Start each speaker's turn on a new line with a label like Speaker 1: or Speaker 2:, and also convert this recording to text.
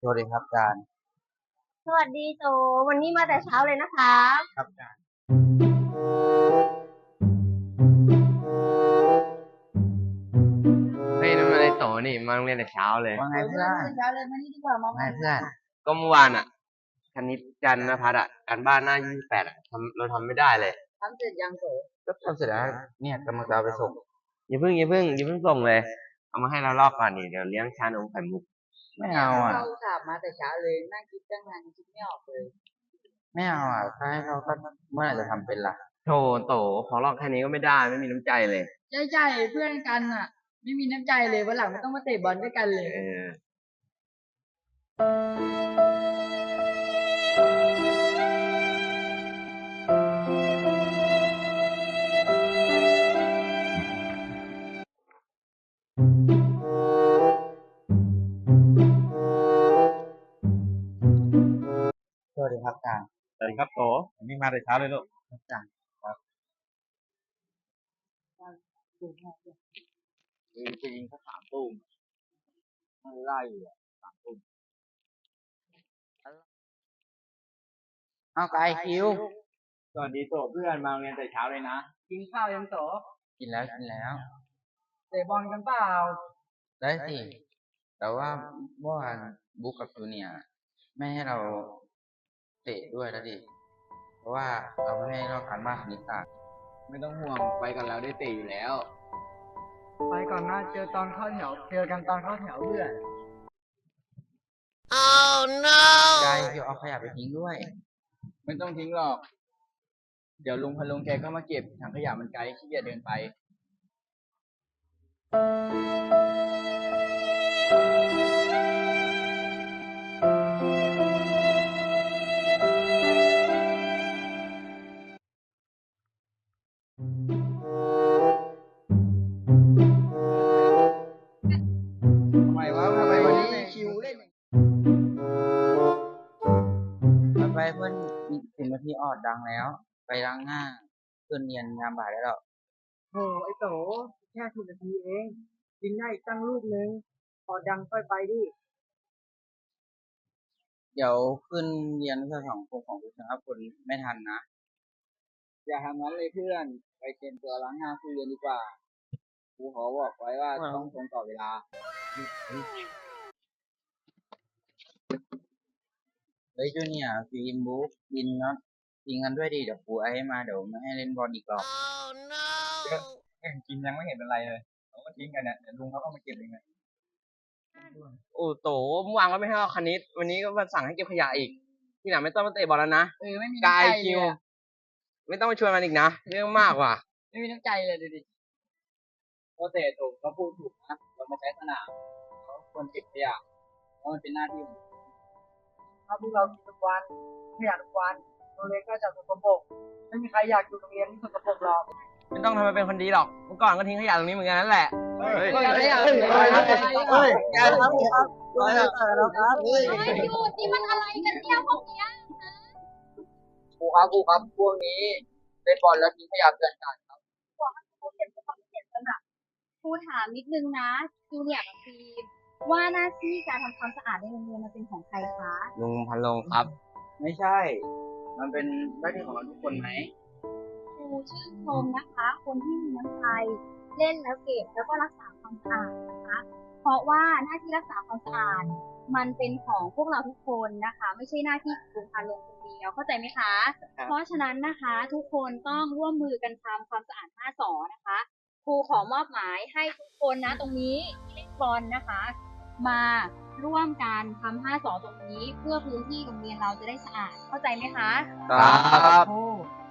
Speaker 1: วัสดีครับอาจารย์
Speaker 2: สวัสดีโจวันนี้มาแต่เช้าเลยนะคะ
Speaker 1: ครับอาจารย์
Speaker 3: เฮ้ยนั่นมันไอ้โตนี่มาโรงเรียนแต่เช้าเลย
Speaker 1: ว่าไงเพื่อน
Speaker 2: เช้าเลยมานี่ดีกว่ามอง
Speaker 1: ไงเพื่อน
Speaker 3: ก็เมื่อวานอ่ะคณิตจันทร์นภัสการบ้านหน้า28เราทำไม่ได้เลย
Speaker 2: ทำเสร็จยังโจ
Speaker 1: ก็ทำเสร็จแล้วเนี่ยกำลังจะเอาไปส่ง
Speaker 3: อย่าเพิ่งส่งเลยเอามาให้เราลอกก่อนนี่เดี๋ยวเลี้ยงชานมไข่มุก
Speaker 1: ไม่เอาอ่ะ
Speaker 2: เราสาบมาแต่เช้าเลยนั่งคิดตั้งนานคิดไม่ออกเลย
Speaker 1: ไม่เอาอ่ะถ้าให้เขาก็เมื่อไหร่จะทำเป็นล่ะ
Speaker 3: โตขอลอกแค่นี้ก็ไม่ได้ไม่มีน้ำใจเลย
Speaker 2: ใช่เพื่อนกันอ่ะไม่มีน้ำใจเลยวันหลังไม่ต้องมาเตะบอลด้วยกันเลย
Speaker 1: สวัสดีครับอาจารย์
Speaker 3: สวัสดีครับโตวันนี้มาแต่เช้าเลยลูก
Speaker 1: อาจารย์ครับ
Speaker 3: จะยิงสัก3 ตุ้มไม่ไล่อยู่3 ตุ้ม
Speaker 1: เอาไกลคิว
Speaker 3: สวัสดีโตเพื่อนมาโรงเรียนแต่เช้าเลยนะ
Speaker 2: กินข้าวยังโจ
Speaker 1: กินแล้ว
Speaker 2: เตะบอลกันเปล่า
Speaker 1: ได้สิแต่ว่าเมื่อวานบุ๊กกับจูเนียร์ไม่ให้เราเตะด้วยแล้วดิเพราะว่าเราไม่ให้เราการบ้านคณิตศาสตร์
Speaker 3: ไม่ต้องห่วงไปกันแล้วได้เตะอยู่แล้ว
Speaker 2: ไปก่อนนะเจอกันตอนเข้าแถวเพื่อน
Speaker 1: กายคิวเอาขยะไปทิ้งด้วย
Speaker 3: ไม่ต้องทิ้งหรอกเดี๋ยวลุงพะลุงแกก็มาเก็บถังขยะมันไกลขี้เกียจเดินไปทำไมวันนี้คิวเล่น
Speaker 1: ไปเพื่อนอีก10 นาทีออดดังแล้วไปล้างหน้าเพื่อนเรียนงานบ่ายได้แล้ว
Speaker 2: โอ้ไอโตแค่10 นาทีเองกินได้ตั้งลูกนึงพอดังค่อยไปดิ
Speaker 1: เดี๋ยวขึ้นเรียนวิชาสังคมของวิชาคุณไม่ทันนะ
Speaker 3: อย่าทำนั้นเลยเพื่อนไปเตรียมตัวล้างหน้าคุยเรียนดีกว่าครูขอบอกไว้ว่าต้องตรงต่อเวลา
Speaker 1: เฮ้ยจูเนียร์ฟิล์มบุ๊กกินน็อตทิ้งกันด้วยดิเดี๋ยวครูไอ้มาเดี๋ยวไม่ให้เล่นบอลอีกหรอก
Speaker 3: กินยังไม่เห็นเป็นไรเลยเขาก็ทิ้งกันเนี่ยเดี๋ยวลุงเขาก็มาเก็บเองเลยโอ้โตเมื่อวานก็ไม่ให้เอาคณิตวันนี้ก็มาสั่งให้เก็บขยะอีกที่ไหนไม่ต้องมาเตะบอลแล้วนะ
Speaker 2: ไม่มี
Speaker 3: กาย
Speaker 2: น้ำใจเล
Speaker 3: คิ
Speaker 2: ยว
Speaker 3: ไม่ต้องมาชวนมันอีกนะเรื่องมากว่ะ
Speaker 2: ไม่มีน้ำใจเลยดูดิ
Speaker 3: ก็เตะถูกก็พูดถูกนะเรามาใช้สนามเขาควรเก็บขยะเพราะมันเป็นหน้าที่ของ
Speaker 2: ถ้าพวกเรากินทุกวันขยันทุกวันโรงเรียนก็จะสกปรกไม่มีใครอยากอยู่โรงเรียนที่สกปรกหรอก
Speaker 3: ไม่ต้องทำมาเป็นคนดีหรอกเมื่อก่อนก็ทิ้งขยะตรงนี้เหมือนกันนั่นแหละ
Speaker 1: แกครับ
Speaker 2: หยุดนี่มันอะไรกันเนี่ยพวกเนี้ย
Speaker 1: ครูครับพวกนี้เล่นบอลแล้วทิ้งขยะเกินกันครับ
Speaker 4: ครูถามนิดนึงนะจูเนียร์กับฟิล์มว่าหน้าที่การทำความสะอาดในโรงเรียนมันเป็นของใครคะ
Speaker 3: ลุงพันลงครับ
Speaker 1: ไม่ใช่ มันเป็นหน้าที่ของเราทุกคนไหม
Speaker 4: ครูชื่นชมนะคะ คนที่มีน้ำใจเล่นแล้วเก็บแล้วก็รักษาความสะอาดนะคะเพราะว่าหน้าที่รักษาความสะอาดมันเป็นของพวกเราทุกคนนะคะไม่ใช่หน้าที่ของครูพันลงคนเดียวเข้าใจไหมคะเพราะฉะนั้นนะคะทุกคนต้องร่วมมือกันทำความสะอาดหน้าสอนะคะครูขอมอบหมายให้ทุกคนนะตรงนี้ที่เล่นบอลนะคะมาร่วมกันทำ5 สอตรงนี้เพื่อพื้นที่โรงเรียนเราจะได้สะอาดเข้าใจไหมคะ
Speaker 1: ครับ